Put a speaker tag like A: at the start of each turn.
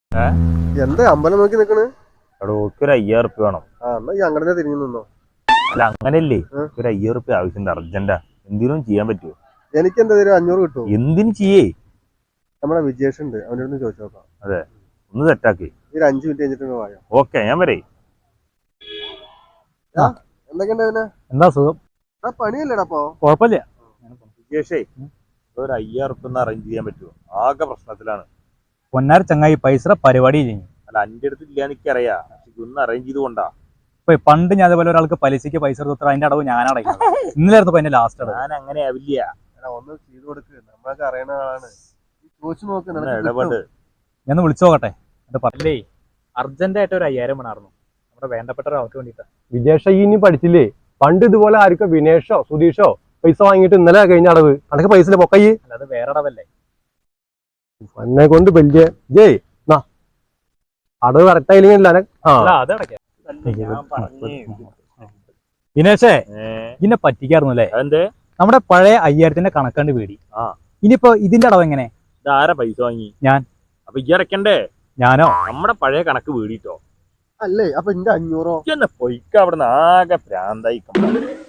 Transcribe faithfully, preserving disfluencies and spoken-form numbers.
A: എന്താ അമ്പലം നോക്കി നിക്കണ്?
B: ഒരു അയ്യായിരം റുപ്യ വേണം.
A: ആ എന്നാ ഈ അങ്ങനെ തിരിഞ്ഞു നിന്നോ.
B: അല്ല അങ്ങനെയല്ലേ, ഒരു അയ്യായിരം റുപ്യ ആവശ്യമുണ്ട്, അർജന്റാ. എന്തിനും ചെയ്യാൻ പറ്റുമോ?
A: എനിക്ക് എന്താ തരും? അഞ്ഞൂറ് കിട്ടുമോ?
B: എന്തിനും ചെയ്യേ.
A: നമ്മുടെ വിജേഷ് ഉണ്ട്, അവനോട് ചോദിച്ചു നോക്കാം.
B: അതെ, ഒന്ന് സെറ്റാക്കി.
A: ഒരു അഞ്ചു മിനിറ്റ് കഴിഞ്ഞിട്ട് വായോ.
B: ഓക്കെ, ഞാൻ വരേ.
A: എന്തൊക്കെയുണ്ട്?
C: എന്താ സുഖം?
A: പണിയല്ലേടാ അപ്പൊ?
C: കുഴപ്പമില്ല.
B: വിജേഷേ, ഒരു അയ്യായിരം റുപ്യ അറേഞ്ച് ചെയ്യാൻ പറ്റുമോ? ആകെ പ്രശ്നത്തിലാണ്.
C: പൊന്നാർ ചങ്ങായി പൈസ പരിപാടി ചെയ്യും.
B: അല്ല, അന്റെ അടുത്ത് ഇല്ല എനിക്കറിയാം, പക്ഷെ ഒന്ന് അറേഞ്ച് ചെയ്ത് കൊണ്ടാ.
C: ഇപ്പൊ പണ്ട് ഞാൻ അതേപോലെ ഒരാൾക്ക് പലിശക്ക് പൈസ കൊടുത്താൽ അതിന്റെ അടവ് ഞാൻ അടയ്ക്കുന്നത്. ഇന്നലായിരുന്നു എന്റെ ലാസ്റ്റ് അടവ്.
B: ഞാൻ അങ്ങനെ ആവില്ല.
A: ഒന്ന് ചെയ്ത് കൊടുക്ക്, നമ്മളൊക്കെ അറിയണ ആളാണ്. ചോദിച്ചു നോക്ക്.
B: ഇടപെട്.
C: ഞാൻ വിളിച്ചു നോക്കട്ടെ. എന്റെ പറഞ്ഞേ, അർജന്റ് ആയിട്ട് ഒരു അയ്യായിരം വേണമായിരുന്നു നമ്മുടെ വേണ്ടപ്പെട്ട ഒരാൾക്ക് വേണ്ടിട്ട്.
D: വിജേഷ ഇനി പഠിച്ചില്ലേ? പണ്ട് ഇതുപോലെ ആർക്കും വിനേഷോ സുധീഷോ പൈസ വാങ്ങിയിട്ട് ഇന്നലെ കഴിഞ്ഞ അടവ് അനക്ക് പൈസ പൊക്കയ്യേ.
C: അല്ലാതെ വേറെ അടവല്ലേ
D: എന്നെ കൊണ്ട് വലിയ ജയ് അടവ് കറക്റ്റ് ആയില്ലെങ്കിൽ
C: അത് അടയ്ക്കാം. ദിനേശേ, ഇതിനെ പറ്റിക്കായിരുന്നു അല്ലേ?
B: അതെന്തേ?
C: നമ്മുടെ പഴയ അയ്യായിരത്തിന്റെ കണക്കണ്ട് പേടി.
B: ആ,
C: ഇനിയിപ്പോ ഇതിന്റെ അടവ് എങ്ങനെ?
B: ഇതാരാ പൈസ വാങ്ങി?
C: ഞാൻ.
B: അപ്പൊ ഈ അടയ്ക്കണ്ടേ?
C: ഞാനോ?
B: നമ്മുടെ പഴയ കണക്ക് വീടിട്ടോ.
A: അല്ലേ? അപ്പൊ എന്റെ അഞ്ഞൂറോ?
B: പൊയ്ക്ക അവിടെ നിന്ന്, ആകെ പ്രാന്തായി.